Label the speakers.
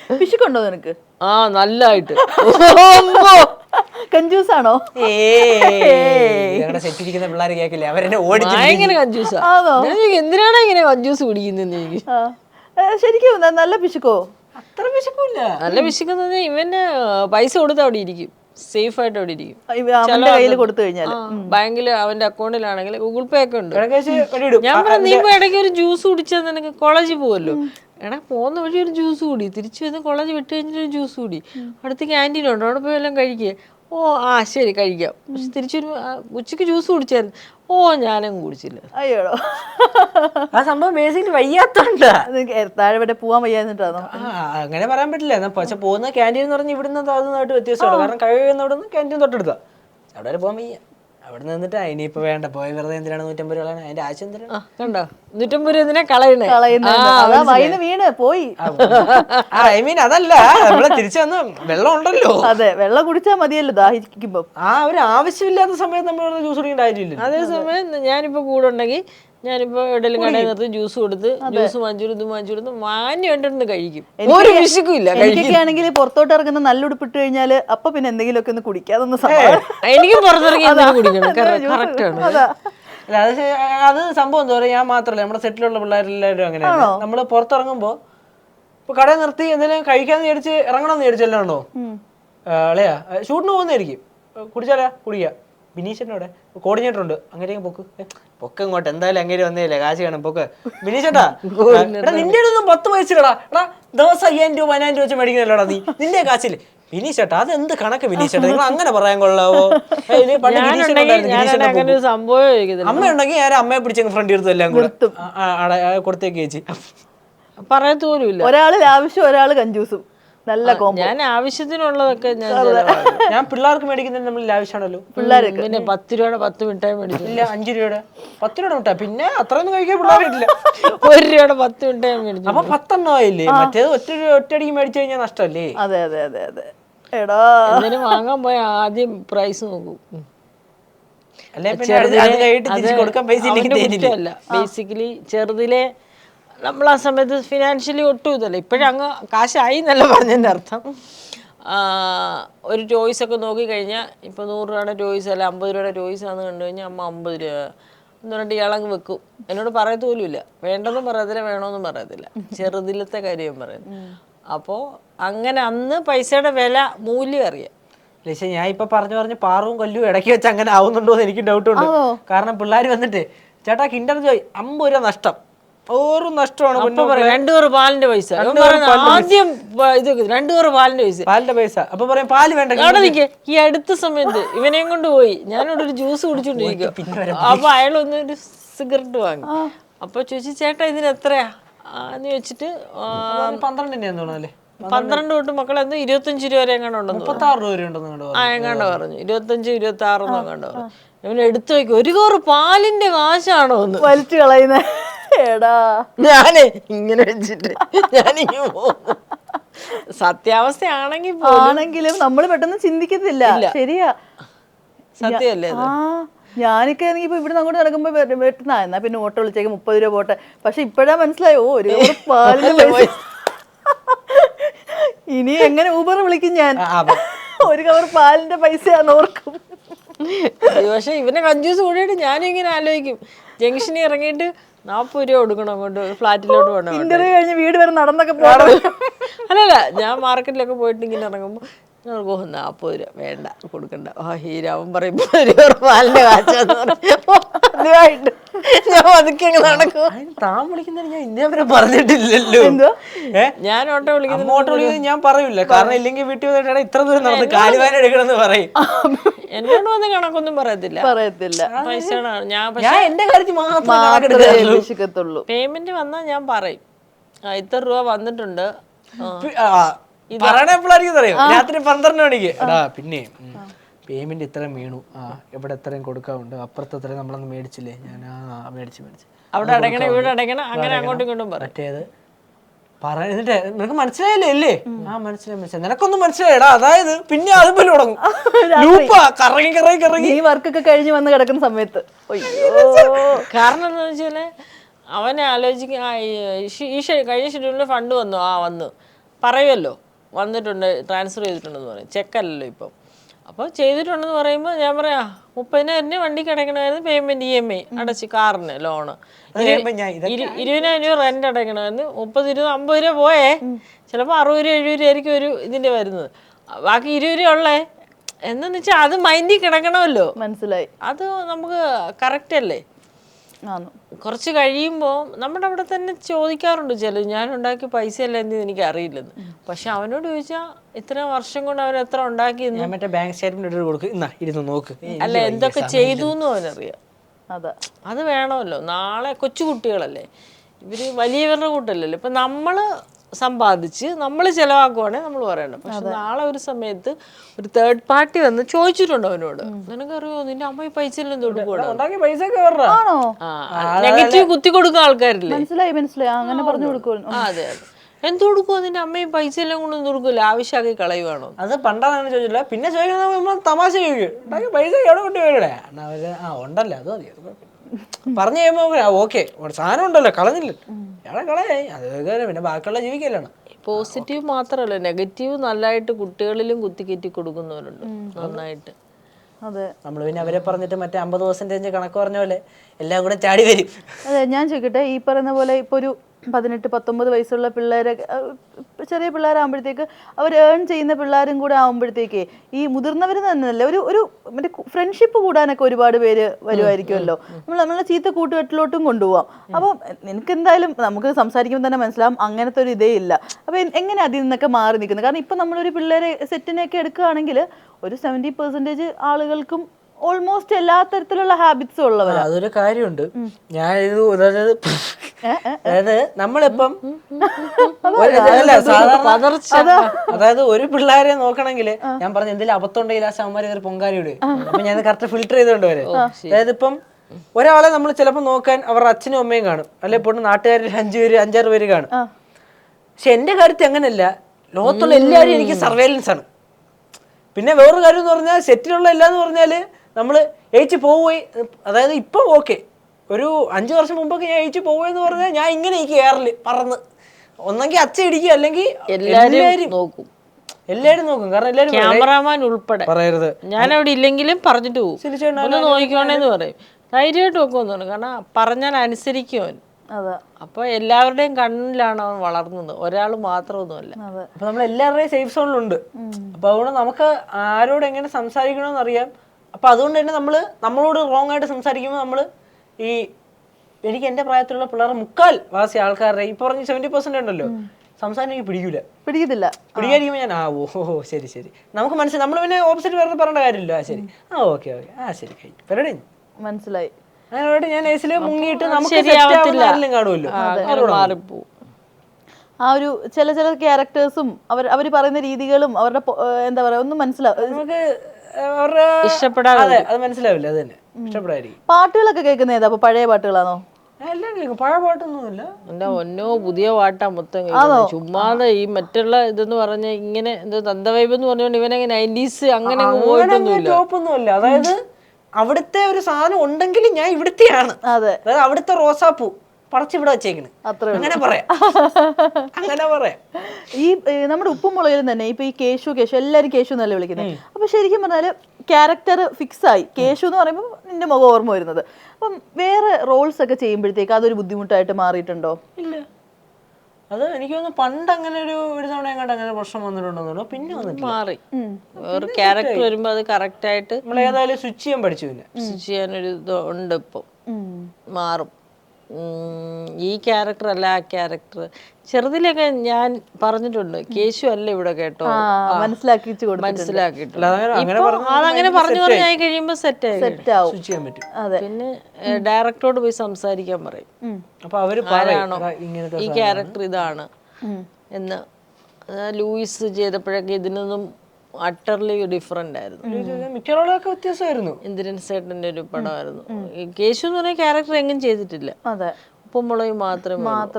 Speaker 1: പിശുക്കുണ്ടോ നിനക്ക്?
Speaker 2: ആ നല്ലായിട്ട്.
Speaker 1: കഞ്ചൂസാണോ?
Speaker 3: സെറ്റിരിക്കുന്ന പിള്ളേർ കേക്കില്ലേ, അവരെന്നെ ഓടിച്ചു.
Speaker 2: ഭയങ്കര കഞ്ചൂസാ. എന്തിനാണ് ഇങ്ങനെ കഞ്ചൂസ് കുടിക്കുന്നത് എനിക്ക്?
Speaker 1: ശരിക്കും നല്ല പിശുക്കോ?
Speaker 3: അത്ര പിശുക്കില്ല.
Speaker 2: നല്ല പിശുക്കുന്നത് ഇവന് പൈസ കൊടുത്ത് അവിടെ ഇരിക്കും, സേഫ് ആയിട്ട് അവിടെ ഇരിക്കും.
Speaker 1: അവന്റെ കയ്യിൽ കൊടുത്തു കഴിഞ്ഞാൽ
Speaker 2: ബാങ്കില് അവന്റെ അക്കൗണ്ടിലാണെങ്കിൽ ഗൂഗിൾ പേ ഒക്കെ ഉണ്ട്.
Speaker 3: വെടിയിടും.
Speaker 2: ഞാൻ പറഞ്ഞു നീ ഇപ്പൊ ഇടയ്ക്ക് ഒരു ജ്യൂസ് കുടിച്ചാൽ നിനക്ക് കോളേജിൽ പോവല്ലോ, എടാ പോകുന്ന വഴി ഒരു ജ്യൂസ് കൂടി, തിരിച്ചു വന്ന് കോളേജ് വിട്ട് കഴിഞ്ഞിട്ട് ഒരു ജ്യൂസ് കൂടി, അടുത്ത് ക്യാൻറ്റീൻ ഉണ്ട്, അവിടെ പോയി എല്ലാം കഴിക്കേ. ഓ ആ ശരി കഴിക്കാം. പക്ഷെ തിരിച്ചൊരു ഉച്ചക്ക് ജ്യൂസ് കുടിച്ചായിരുന്നു. ഓ ഞാനും കുടിച്ചില്ല.
Speaker 1: അയ്യോടോ,
Speaker 3: ആ സംഭവം ബേസിക്കലി വയ്യാത്തോണ്ട്
Speaker 1: താഴെ ഇവിടെ പോവാൻ വയ്യാന്നിട്ടാണോ?
Speaker 3: അങ്ങനെ പറയാൻ പറ്റില്ല. പക്ഷെ പോകുന്ന ക്യാൻറ്റീൻ എന്ന് പറഞ്ഞാൽ ഇവിടുന്ന് താഴ്ന്നതായിട്ട് വ്യത്യാസമുള്ളൂ. കാരണം കഴിയുന്ന അവിടെ നിന്ന് ക്യാൻറ്റീൻ തൊട്ടെടുത്താ, അവിടെ വരെ പോകാൻ വയ്യ. അവിടെ നിന്നിട്ട് ഇനിയിപ്പോ വേണ്ട, പോയി വെറുതെ എന്തിനാണ് 150 രൂപ കളയാൻ, അതിന്റെ ആവശ്യം എന്തിനാണ്?
Speaker 2: കണ്ടോ 150 രൂപ എന്തിനാ കളയണേ?
Speaker 1: വീണ് പോയി.
Speaker 3: ഐ മീൻ അതല്ല, നമ്മളെ തിരിച്ചു വന്ന് വെള്ളം ഉണ്ടല്ലോ.
Speaker 1: അതെ, വെള്ളം കുടിച്ചാൽ മതിയല്ലോ ദാഹിക്കുമ്പോ.
Speaker 3: ആ ഒരു ആവശ്യമില്ലാത്ത സമയത്ത് നമ്മൾ ജ്യൂസ് കുടിക്കേണ്ട കാര്യമില്ല.
Speaker 2: അതേസമയം ഞാനിപ്പോ കൂടെ ഉണ്ടെങ്കിൽ ഞാനിപ്പോ എവിടെയെങ്കിലും കടയിൽ നിർത്തി ജ്യൂസ് കൊടുത്ത് ജ്യൂസ് വാങ്ങിച്ചു കൊടുത്ത് മാന്യമായിട്ടൊന്ന് കഴിക്കും. ഒരു വിശക്കുമില്ല.
Speaker 1: എനിക്കൊക്കെ ആണെങ്കിൽ പുറത്തോട്ട് ഇറങ്ങുന്ന നല്ല ഉടുപ്പിട്ട് കഴിഞ്ഞാല് അപ്പൊ പിന്നെ എന്തെങ്കിലുമൊക്കെ ഒന്ന് കുടിക്കാതൊന്ന്
Speaker 2: എനിക്കും പുറത്തിറങ്ങി കുടിക്കണം. കറക്റ്റ് ആണ്.
Speaker 3: അത് സംഭവം എന്താ പറയാ, ഞാൻ മാത്രമല്ല നമ്മുടെ സെറ്റിലുള്ള പിള്ളേരെല്ലാവരും അങ്ങനെയാണ്. നമ്മള് പുറത്തിറങ്ങുമ്പോ ഇപ്പൊ കടയിൽ നിർത്തി എന്തെങ്കിലും കഴിക്കാന്ന് വിചാരിച്ച് ഇറങ്ങണമെന്ന് വിചാരിച്ചല്ലോ അളയാ, ഷൂട്ടിന് പോകുന്നതായിരിക്കും, കുടിച്ചാലാ കുടിക്കുക. ബിനീഷേട്ടനോടെ കോർഡിനേറ്റർ ഉണ്ട്, അങ്ങനെ പൊക്ക ഇങ്ങോട്ട് എന്തായാലും അങ്ങനെ വന്നേല്ലേ, കാശ് കാണും പൊക്ക്. ബിനീഷേട്ടാ നിന്റെ ഒന്നും 10 പൈസടാ, എടാ ദിവസം 5000 രൂപ 1000 രൂപ വെച്ച് മേടിക്കുന്നില്ലടാ നീ, നിന്റെ കാശില്. ബിനീഷേട്ടാ അത് എന്ത് കണക്ക് ബിനീഷേട്ടാ, നിങ്ങൾ അങ്ങനെ പറയാൻ കൊള്ളാവോ? അമ്മ ഉണ്ടെങ്കിൽ ഞാൻ അമ്മയെ പിടിച്ചങ്ങ് ഫ്രണ്ട് എടുത്തു എല്ലാം കൂടെ കൊടുത്തേക്ക് ചേച്ചി.
Speaker 2: പറയത്തോലുമില്ല.
Speaker 1: ഒരാള് ആവശ്യം, ഒരാള് കഞ്ചൂസും. നല്ല
Speaker 2: ഞാൻ ആവശ്യത്തിനുള്ളതൊക്കെ
Speaker 3: ഞാൻ പിള്ളേർക്ക് മേടിക്കുന്നത് നമ്മൾ ആവശ്യമാണല്ലോ.
Speaker 1: പിള്ളേർക്ക്
Speaker 2: പിന്നെ 10 രൂപയുടെ 10 മിഠായി മേടിച്ചു.
Speaker 3: ഇല്ല 5 രൂപയുടെ 10 രൂപയുടെ മിഠായി, പിന്നെ അത്രയൊന്നും കഴിക്കാൻ പിള്ളേരില്ല.
Speaker 2: 1 രൂപയുടെ 10 മിഠായി മേടിച്ചു.
Speaker 3: അപ്പൊ 10 ആയില്ലേ? മറ്റേത് ഒറ്റയടിക്ക് മേടിച്ചു കഴിഞ്ഞാൽ നഷ്ടമല്ലേ?
Speaker 1: അതെ അതെ അതെ അതെ. എടാ
Speaker 2: എന്തിനും വാങ്ങാൻ പോയ ആദ്യം പ്രൈസ് നോക്കും. ബേസിക്കലി ചെറുതിലെ നമ്മൾ ആ സമയത്ത് ഫിനാൻഷ്യലി ഒട്ടും ഇതല്ല. ഇപ്പോഴങ്ങ് കാശായി എന്നല്ല പറഞ്ഞതിൻ്റെ അർത്ഥം. ഒരു ടോയ്സ് ഒക്കെ നോക്കിക്കഴിഞ്ഞാൽ ഇപ്പോൾ 100 രൂപയുടെ ടോയ്സ് അല്ല 50 രൂപയുടെ ടോയ്സ് ആണെന്ന് കണ്ടു കഴിഞ്ഞാൽ അമ്മ 50 രൂപ എന്ന് പറഞ്ഞിട്ട് ഇയാളങ്ങ് വെക്കും. എന്നോട് പറയത്ത് പോലും ഇല്ല, വേണ്ടെന്നും പറയത്തില്ല വേണമെന്നും പറയത്തില്ല. ചെറുതിലത്തെ കാര്യം പറയുന്നത്. അപ്പോൾ അങ്ങനെ അന്ന് പൈസയുടെ വില മൂല്യം അറിയാം.
Speaker 3: പക്ഷേ ഞാൻ ഇപ്പൊ പറഞ്ഞു പാറും കൊല്ലും ഇടയ്ക്ക് വെച്ച് അങ്ങനെ ആവുന്നുണ്ടോ എന്ന് എനിക്ക് ഡൗട്ട് ഉണ്ട്. കാരണം പിള്ളേർ വന്നിട്ട് ചേട്ടാ കിൻഡർ ജോയ് 50 രൂപ നഷ്ടം, ഓറും നഷ്ടമാണ്.
Speaker 2: 2 കവർ പാലിന്റെ പൈസ ആദ്യം ഇത് 2 കവർ പാലിന്റെ പൈസ.
Speaker 3: അപ്പൊ പറയും പാല് വേണ്ട.
Speaker 2: ഈ അടുത്ത സമയത്ത് ഇവനെയും കൊണ്ട് പോയി, ഞാനിവിടെ ഒരു ജ്യൂസ് കുടിച്ചോണ്ടിരിക്കും. അപ്പൊ അയാളൊന്ന് ഒരു സിഗരറ്റ് വാങ്ങി. അപ്പൊ ചോദിച്ചു ചേട്ടാ ഇതിന് എത്രയാ എന്ന് ചോദിച്ചിട്ട് 12 തൊട്ട് മക്കളെ എന്തോ 25 രൂപ വരെ എങ്ങാണ്ട് ഉണ്ടെന്ന്
Speaker 3: 36 രൂപ ഉണ്ടെന്ന്
Speaker 2: എങ്ങാണ്ട് പറഞ്ഞു. 25, 26 എങ്ങാണ്ട് പറഞ്ഞു. ഇവന് എടുത്തു വയ്ക്കും, 1 കവർ പാലിന്റെ കാശാണോ ഒന്ന്
Speaker 1: വലിച്ചു കളയുന്ന. എടാ
Speaker 2: ഞാനേ ഇങ്ങനെ വെച്ചിട്ട് ഞാനിങ്ങനെ പോകുന്നു. സത്യാവസ്ഥയാണെങ്കിലും
Speaker 1: നമ്മൾ പെട്ടെന്ന് ചിന്തിക്കത്തില്ല. ശരിയാ,
Speaker 2: സത്യമല്ലേ?
Speaker 1: ഞാനൊക്കെ ആണെങ്കിൽ ഇപ്പൊ ഇവിടുന്ന് അങ്ങോട്ട് നടക്കുമ്പോ വെട്ടുന്ന എന്നാ പിന്നെ ഓട്ടോ വിളിച്ചേക്ക് 30 രൂപ പോട്ടെ. പക്ഷെ ഇപ്പഴാ മനസ്സിലായോ 1 കവർ പാലിന്റെ പൈസ. ഇനി എങ്ങനെ ഊബർ വിളിക്കും ഞാൻ, 1 കവർ പാലിന്റെ പൈസയാന്ന് ഓർക്കും.
Speaker 2: പക്ഷെ ഇവനെ കഞ്ചൂസ് കൂടിയിട്ട് ഞാനും ഇങ്ങനെ ആലോചിക്കും, ജംഗ്ഷനിൽ ഇറങ്ങിയിട്ട് 40 രൂപ കൊടുക്കണം അങ്ങോട്ട് ഫ്ലാറ്റിലോട്ട് പോകണം.
Speaker 1: ഇന്റർവ്യൂ കഴിഞ്ഞ് വീട് വരെ നടന്നൊക്കെ പോകണം.
Speaker 2: അല്ലല്ല, ഞാൻ മാർക്കറ്റിലൊക്കെ പോയിട്ട് ഇങ്ങനെ ഇറങ്ങുമ്പോൾ 40 രൂപ വേണ്ട കൊടുക്കണ്ട. ഹീരാവൻ പറയുമ്പോ 1 കവർ പാലിന്റെ കാച്ചാന്ന് പറഞ്ഞായിട്ട് ഞാൻ അതൊക്കെ നടക്കും.
Speaker 3: താൻ വിളിക്കുന്നത് ഞാൻ ഇന്നേവരെ പറഞ്ഞിട്ടില്ലല്ലോ.
Speaker 2: ഞാൻ ഓട്ടോ വിളിക്കുന്നത്
Speaker 3: ഞാൻ പറയൂല, കാരണം ഇല്ലെങ്കിൽ വീട്ടിൽ വന്നിട്ടാണ് ഇത്ര ദൂരം നടന്ന് കാലുവാൻ എടുക്കണമെന്ന് പറയും.
Speaker 2: എന്നോട് വന്ന് കണക്കൊന്നും പറയത്തില്ല. പൈസ
Speaker 3: ഞാൻ എന്റെ കാര്യത്തിൽ മാത്രമേ
Speaker 2: പേയ്മെന്റ് വന്നാൽ ഞാൻ പറയും ഇത്ര രൂപ വന്നിട്ടുണ്ട്.
Speaker 3: പറയണ എപ്പോഴായിരിക്കും അറിയാം, രാത്രി 12 മണിക്ക്. എടാ പിന്നെ പേയ്മെന്റ് ഇത്രയും വീണു, എവിടെ എത്രയും കൊടുക്കാറുണ്ട്, അപ്പുറത്ത് എത്രയും നമ്മളൊന്ന് മേടിച്ചില്ലേ, ഞാൻ മേടിച്ച്
Speaker 2: അവിടെ അടയ്ക്കണം ഇവിടെ അടയ്ക്കണം അങ്ങനെ അങ്ങോട്ടും ഇങ്ങോട്ടും
Speaker 3: മറ്റേത് എന്നിട്ട് നിനക്ക് മനസ്സിലായില്ലേ അല്ലേ? മനസ്സിലായി. നിനക്കൊന്നും മനസ്സിലായടാ. അതായത് പിന്നെ അതുപോലെ തുടങ്ങും കറങ്ങി
Speaker 1: ഈ വർക്കൊക്കെ കഴിഞ്ഞ് വന്ന് കിടക്കുന്ന സമയത്ത്.
Speaker 2: കാരണം എന്താ വെച്ചാല് അവനെ ആലോചിക്കും, ഈ കഴിഞ്ഞ ഷെഡ്യൂളിൽ ഫണ്ട് വന്നു പറയുമല്ലോ വന്നിട്ടുണ്ട് ട്രാൻസ്ഫർ ചെയ്തിട്ടുണ്ടെന്ന് പറയും, ചെക്കല്ലല്ലോ ഇപ്പം. അപ്പോൾ ചെയ്തിട്ടുണ്ടെന്ന് പറയുമ്പോൾ ഞാൻ പറയാം 30,000 വണ്ടിക്ക് അടയ്ക്കണമായിരുന്നു, പേയ്മെൻറ്റ് EMI അടച്ച് കാറിന് ലോണ്, 20,000 രൂപ റെൻ്റ് അടയ്ക്കണമായിരുന്നു, 30, 20, 50 രൂപ പോയേ, ചിലപ്പോൾ 60 രൂപ 70 രൂപ ആയിരിക്കും ഒരു ഇതിൻ്റെ വരുന്നത്, ബാക്കി 20 രൂപ ഉള്ളേ എന്നു വെച്ചാൽ അത് മൈൻഡിൽ കിടക്കണമല്ലോ.
Speaker 1: മനസ്സിലായി.
Speaker 2: അത് നമുക്ക് കറക്റ്റ് അല്ലേ? കുറച്ച് കഴിയുമ്പോൾ നമ്മുടെ അവിടെ തന്നെ ചോദിക്കാറുണ്ട് ചില, ഞാൻ ഉണ്ടാക്കിയ പൈസ അല്ല എന്ന് എനിക്ക് അറിയില്ലെന്ന്. പക്ഷെ അവനോട് ചോദിച്ചാൽ ഇത്ര വർഷം കൊണ്ട് അവൻ എത്ര ഉണ്ടാക്കിയെന്ന്,
Speaker 3: ബാങ്ക് സ്റ്റേറ്റ്മെന്റ് നോക്ക്,
Speaker 2: അല്ല എന്തൊക്കെ ചെയ്തു എന്നും അവനറിയാം. അത് വേണമല്ലോ. നാളെ കൊച്ചു കുട്ടികളല്ലേ ഇവര്, വലിയവരുടെ കൂട്ടല്ലല്ലോ. ഇപ്പൊ നമ്മള് സമ്പാദിച്ച് നമ്മൾ ചിലവാക്കുവാണെങ്കിൽ നമ്മൾ പറയണം. പക്ഷെ നാളെ ഒരു സമയത്ത് ഒരു തേർഡ് പാർട്ടി വന്ന് ചോദിച്ചിട്ടുണ്ട് അവനോട്, നിനക്കറിയോ നിന്റെ അമ്മ ഈ പൈസ എല്ലാം തൊടുക്കൂടാ, നെഗറ്റീവ് കുത്തി കൊടുക്കുന്ന ആൾക്കാരില്ലേ.
Speaker 1: അങ്ങനെ പറഞ്ഞു കൊടുക്കും.
Speaker 2: അതെ അതെ, എന്ത് കൊടുക്കുവോ നിന്റെ അമ്മയും പൈസ എല്ലാം കൊണ്ടൊന്നും കൊടുക്കൂല, ആവശ്യമാക്കി കളയുവാണോ?
Speaker 3: അത് പണ്ടാണ് ചോദിച്ചില്ല. പിന്നെ ചോദിക്കുന്നത് തമാശ ചോദിക്കും, പൈസ എവിടെ കൊണ്ട് പോയിടെ ഉണ്ടല്ലോ അത് മതി പറഞ്ഞു കഴിയുമ്പോ ഓക്കെ സാധനം ഉണ്ടല്ലോ കളഞ്ഞില്ല ഇയാളെ കളയായി, അത് പിന്നെ ബാക്കിയുള്ള ജീവിക്കല്ലാണ്.
Speaker 2: പോസിറ്റീവ് മാത്രമല്ല നെഗറ്റീവ് നല്ലതായിട്ട് കുട്ടികളിലും കുത്തിക്കയറ്റി കൊടുക്കുന്നവരുണ്ട് നന്നായിട്ട്.
Speaker 1: അതെ,
Speaker 3: നമ്മൾ പിന്നെ അവരെ പറഞ്ഞിട്ട് മറ്റേ 50% കണക്ക് പറഞ്ഞ പോലെ എല്ലാം കൂടെ ചാടി വരും.
Speaker 1: അതെ, ഞാൻ ചോദിക്കട്ടെ, ഈ പറയുന്ന പോലെ ഇപ്പൊ ഒരു 18-19 വയസ്സുള്ള പിള്ളേരെ, ചെറിയ പിള്ളേരാകുമ്പോഴത്തേക്ക് അവർ ഏൺ ചെയ്യുന്ന പിള്ളേരും കൂടെ ആകുമ്പോഴത്തേക്ക് ഈ മുതിർന്നവർ തന്നെയല്ലേ ഒരു മറ്റേ ഫ്രണ്ട്ഷിപ്പ് കൂടാനൊക്കെ ഒരുപാട് പേര് വരുമായിരിക്കുമല്ലോ. നമ്മളെ ചീത്ത കൂട്ടുകെട്ടിലോട്ടും കൊണ്ടുപോകാം. അപ്പം എനിക്ക് എന്തായാലും നമുക്ക് സംസാരിക്കുമ്പോൾ തന്നെ മനസ്സിലാവും അങ്ങനത്തെ ഒരു ഇതേ ഇല്ല. അപ്പം എങ്ങനെ അതിൽ നിന്നൊക്കെ മാറി നിൽക്കുന്നത്? കാരണം ഇപ്പം നമ്മളൊരു പിള്ളേരെ സെറ്റിനെയൊക്കെ എടുക്കുകയാണെങ്കിൽ ഒരു 70% ആളുകൾക്കും ഓൾമോസ്റ്റ് എല്ലാ തരത്തിലുള്ള ഹാബിറ്റ്സും ഉള്ളവരാ.
Speaker 3: അതൊരു കാര്യമുണ്ട്. ഞാൻ അതായത് നമ്മളിപ്പം അതായത് ഒരു പിള്ളേരെ നോക്കണമെങ്കിൽ ഞാൻ പറഞ്ഞ എന്തെങ്കിലും അബദ്ധമുണ്ടെങ്കിൽ ആ സാമാര് പൊങ്കാലിയുടെ അപ്പൊ ഞാൻ കറക്റ്റ് ഫിൽറ്റർ ചെയ്തുകൊണ്ട് വരെ. അതായത് ഇപ്പം ഒരാളെ നമ്മൾ ചിലപ്പോൾ നോക്കാൻ അവരുടെ അച്ഛനും അമ്മയും കാണും, അല്ലെ ഇപ്പോൾ നാട്ടുകാരിൽ 5-6 പേര് കാണും. പക്ഷെ എന്റെ കാര്യത്തിൽ അങ്ങനെയല്ല, ലോകത്തുള്ള എല്ലാവരും എനിക്ക് സർവൈലൻസ് ആണ്. പിന്നെ വേറൊരു കാര്യം എന്ന് പറഞ്ഞാൽ സെറ്റിലുള്ള എല്ലാന്ന് പറഞ്ഞാല് നമ്മള് ഏച്ചി പോവുകയും, അതായത് ഇപ്പൊ ഓക്കെ, ഒരു 5 വർഷം മുമ്പൊക്കെ ഞാൻ ഏച്ചി പോവുകയെന്ന് പറഞ്ഞാൽ ഞാൻ ഇങ്ങനെ എനിക്ക് എയറില് പറന്ന് ഒന്നെങ്കിൽ അച്ഛ ഇടിക്കും അല്ലെങ്കിൽ എല്ലാരും നോക്കും. കാരണം എല്ലാരും
Speaker 2: ക്യാമറാമാൻ ഉൾപ്പെടെ
Speaker 3: പറയരുത്,
Speaker 2: ഞാൻ അവിടെ ഇല്ലെങ്കിലും പറഞ്ഞിട്ട് പോകും, ഒന്ന് നോക്കിക്കോണേന്ന് പറയും. ധൈര്യമായിട്ട് നോക്കുമെന്നാണ്, കാരണം പറഞ്ഞാൽ അനുസരിക്കും. അപ്പൊ എല്ലാവരുടെയും കണ്ണിലാണ് അവൻ വളർന്നത്, ഒരാൾ മാത്രമൊന്നുമല്ല.
Speaker 3: അപ്പൊ നമ്മൾ എല്ലാവരുടെയും സേഫ് സോണിലുണ്ട്. അപ്പൊ അതുകൊണ്ട് നമുക്ക് ആരോട് എങ്ങനെ സംസാരിക്കണമെന്ന് അറിയാം. അപ്പൊ അതുകൊണ്ട് തന്നെ നമ്മളോട് റോങ് ആയിട്ട് സംസാരിക്കുമ്പോൾ നമ്മള് ഈ എനിക്ക് എന്റെ പ്രായത്തിലുള്ള പിള്ളേർ 3/4 ആൾക്കാരുടെ ഈ പറഞ്ഞ 70% ഉണ്ടല്ലോ സംസാരം എനിക്ക് പിടിക്കാതിരിക്കുമ്പോൾ ഞാൻ ഓഹോ ശരി നമുക്ക് മനസ്സിലായി. നമ്മൾ പിന്നെ ഓപ്പോസിറ്റ് വേറെ പറയേണ്ട കാര്യമില്ല. ശരി ഓക്കെ ശരി പരിപാടി
Speaker 1: മനസ്സിലായി.
Speaker 3: അങ്ങനെയായിട്ട് ഞാൻ ഏസില് മുങ്ങിയിട്ട് നമുക്ക് കാണുമല്ലോ.
Speaker 1: ആ ഒരു ചില ക്യാരക്ടേഴ്സും അവർ പറയുന്ന രീതികളും അവരുടെ എന്താ പറയാ ഒന്നും മനസ്സിലാവും,
Speaker 3: നമുക്ക് ഇഷ്ടപ്പെടാതെ അത് മനസ്സിലാവില്ല. അത് തന്നെ ഇഷ്ടപ്പെടായിരിക്കും.
Speaker 1: പാട്ടുകളൊക്കെ കേൾക്കുന്ന ഏതാ? പഴയ പാട്ടുകളാണോ?
Speaker 3: എല്ലാം കേൾക്കും. പഴയ പാട്ടൊന്നുമില്ല.
Speaker 2: എന്റെ ഒന്നോ പുതിയ പാട്ടാ മൊത്തം. ചുമ്മാതെ ഈ മറ്റുള്ള ഇതെന്ന് പറഞ്ഞ ഇങ്ങനെ എന്തോ തന്തവൈബ് എന്ന് പറഞ്ഞോണ്ട് ഇവനങ്ങനെ 90s അങ്ങനെ
Speaker 3: ടോപ്പൊന്നുമില്ല. അതായത് അവിടുത്തെ ഒരു സാധനം ഉണ്ടെങ്കിൽ ഞാൻ ഇവിടുത്തെയാണ്. അതായത് അവിടുത്തെ റോസാപ്പൂ പറിച്ചിവിടെ വെച്ചേക്കണ്, അങ്ങനെ പറയാം.
Speaker 1: ഈ നമ്മുടെ ഉപ്പും മുളകിലും തന്നെ ഇപ്പൊ ഈ കേശു എല്ലാരും കേശു എന്നല്ലേ വിളിക്കുന്നത്. അപ്പൊ ശരിക്കും പറഞ്ഞാല് ക്യാരക്ടർ ഫിക്സ് ആയി. കേശു എന്ന് പറയുമ്പോൾ നിന്റെ മുഖം ഓർമ്മ വരുന്നത്. അപ്പം വേറെ റോൾസ് ഒക്കെ ചെയ്യുമ്പോഴത്തേക്ക് അതൊരു ബുദ്ധിമുട്ടായിട്ട് മാറിയിട്ടുണ്ടോ?
Speaker 3: ഇല്ല, അത് എനിക്ക് തോന്നുന്നു പണ്ട് അങ്ങനെ ഒരു തവണ എങ്ങോട്ട് അങ്ങനെ പ്രശ്നം വന്നിട്ടുണ്ടോ, പിന്നെ വന്നിട്ട് മാറി.
Speaker 2: ഒരു ക്യാരക്ടർ വരുമ്പോ അത് കറക്റ്റ് ആയിട്ട്
Speaker 3: നമ്മൾ ഏതായാലും സ്വിച്ച് ചെയ്യാൻ പഠിച്ചു. പിന്നെ
Speaker 2: സ്വിച്ച് ചെയ്യാനൊരു ഇത് ഉണ്ട്, ഇപ്പൊ മാറും. ഈ ക്യാരക്ടർ അല്ല ആ ക്യാരക്ടർ. ചെറുതിലൊക്കെ ഞാൻ പറഞ്ഞിട്ടുണ്ട്, കേശു അല്ല ഇവിടെ കേട്ടോ, മനസ്സിലാക്കിയിട്ടുണ്ട്. അതങ്ങനെ പറഞ്ഞായി കഴിയുമ്പോ സെറ്റ്
Speaker 3: ചെയ്യാൻ പറ്റും.
Speaker 2: പിന്നെ ഡയറക്ടറോട് പോയി സംസാരിക്കാൻ പറയും,
Speaker 3: അപ്പൊ അവര്
Speaker 2: ആരാണോ ഈ ക്യാരക്ടർ ഇതാണ് എന്ന്. ലൂയിസ് ചെയ്തപ്പോഴൊക്കെ ഇതിനൊന്നും അട്ടർലി ഡിഫറെന്റ് ആയിരുന്നു,
Speaker 3: മിക്കവാറും വ്യത്യാസമായിരുന്നു.
Speaker 2: ഇന്ദ്രൻ സേട്ടന്റെ ഒരു പടമായിരുന്നു. കേശു എന്ന് പറഞ്ഞ ക്യാരക്ടർ എങ്ങും ചെയ്തിട്ടില്ല, ഉപ്പും മുളകും മാത്രമേ